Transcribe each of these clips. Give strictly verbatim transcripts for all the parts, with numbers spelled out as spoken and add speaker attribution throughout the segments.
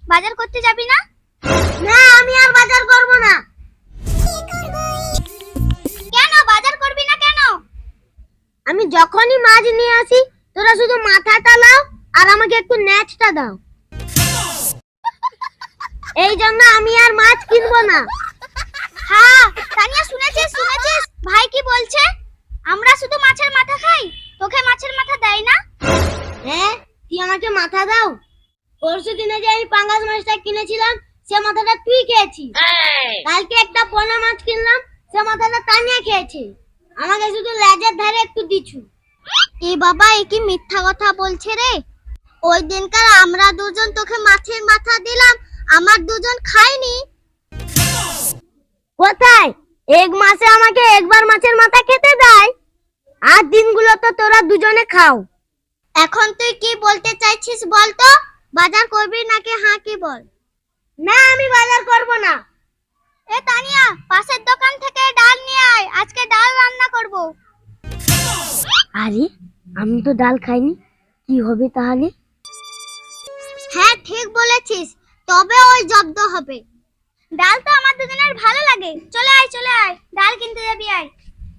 Speaker 1: বাজার করতে যাবি না?
Speaker 2: না, আমি আর বাজার করব না।
Speaker 1: কেন বাজার করবি না কেন?
Speaker 2: আমি যখনই মাছ নিয়ে আসি তোরা শুধু মাথাটা লাও আর আমাকে একটু নেচটা দাও। এই জন্য আমি আর মাছ কিনবো না।
Speaker 1: হ্যাঁ তানিয়া, শুনেছিস শুনেছিস ভাই কি বলছে? আমরা শুধু মাছের মাথা খাই, তোকে মাছের মাথা দেয় না?
Speaker 2: হ্যাঁ, তুই আমাকে মাথা দাও। পরশু দিনে যে আমি পাঙ্গাস মাছটা কিনেছিলাম সে মাথাটা তুই খেয়েছিস। কালকে একটা পোনা মাছ কিনলাম সে মাথাটা তানিয়া খেয়েছে। আমাকে শুধু লেজের ধারে একটু দিছু।
Speaker 1: এ বাবা, এ কি মিথ্যা কথা বলছে রে? ওই দিনকার আমরা দুজন তোকে মাছের মাথা দিলাম, আমার দুজন খাইনি।
Speaker 2: কোথায়? এক মাসে আমাকে একবার মাছের মাথা খেতে দেয়, আর দিনগুলো তো তোরা দুজনে খাও।
Speaker 1: এখন তুই কি বলতে চাইছিস বল তো? বাজার করবি নাকি হ্যাঁ কি বল?
Speaker 2: না, আমি বাজার করব না।
Speaker 1: এ তানিয়া, পাশের দোকান থেকে ডাল নিয়ে আয়, আজকে ডাল রান্না করব।
Speaker 2: আরে, আমি তো ডাল খাইনি, কি হবে তাহলে?
Speaker 1: হ্যাঁ ঠিক বলেছিস, তবে ওই জব্দ হবে। ডাল তো আমার দুজনের ভালো লাগে। চলে আয় চলে আয়, ডাল কিনতে যাবি আয়।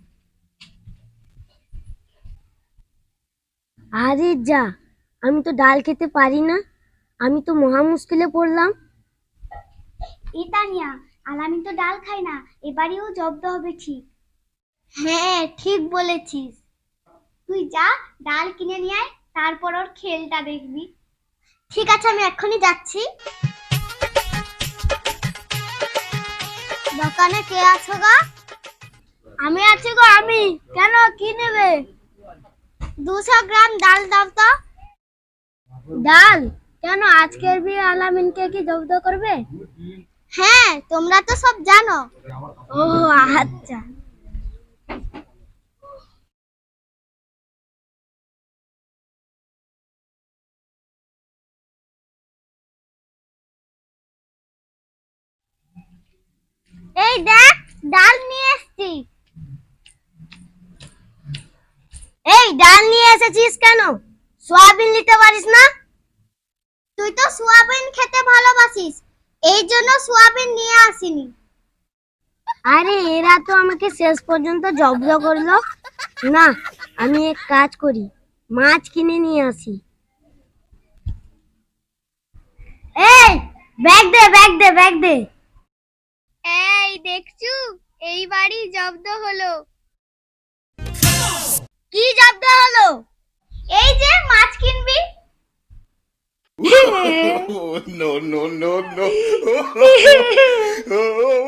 Speaker 2: আরে যা, আমি তো ডাল খেতে পারি না, আমি তো মহা মুশকিলে পড়লাম।
Speaker 1: এ তানিয়া, আলামিন তো ডাল খায় না, এবারেও জব্দ হবে ঠিক। হ্যাঁ ঠিক বলেছিস। তুই যা ডাল কিনে নিয়ে আয়, তারপর ওর খেলটা দেখবি। ঠিক আছে, আমি এক্ষুনি যাচ্ছি। দোকানে কে আছো গো?
Speaker 2: আমি আছি গো, আমি। কেন, কি নেবে?
Speaker 1: দুশো গ্রাম ডাল দাও তো।
Speaker 2: ডাল? কেন, আজকের বিয়ে আলামিনকে কি জব্দ করবে?
Speaker 1: হ্যাঁ, তোমরা তো সব জানো।
Speaker 2: ও আচ্ছা।
Speaker 1: এই দেখ, ডাল নিয়ে এসেছি।
Speaker 2: এই ডাল নিয়ে এসেছিস কেন? সয়াবিন নিতে পারিস না?
Speaker 1: তুই তো সোয়াবিন খেতে ভালোবাসিস, এই জন্য সোয়াবিন নিয়ে আসিনি।
Speaker 2: আরে, এরা তো আমাকে শেষ পর্যন্ত জব্দ করলো না। আমি এক কাজ করি, মাছ কিনে নিয়ে আসি। এই ব্যাগ দে, ব্যাগ দে, ব্যাগ দে।
Speaker 1: এই দেখছু, এইবারই জব্দ হলো।
Speaker 2: কি জব্দ হলো?
Speaker 1: এই যে মাছ কিনবি।
Speaker 3: no, no, no, no.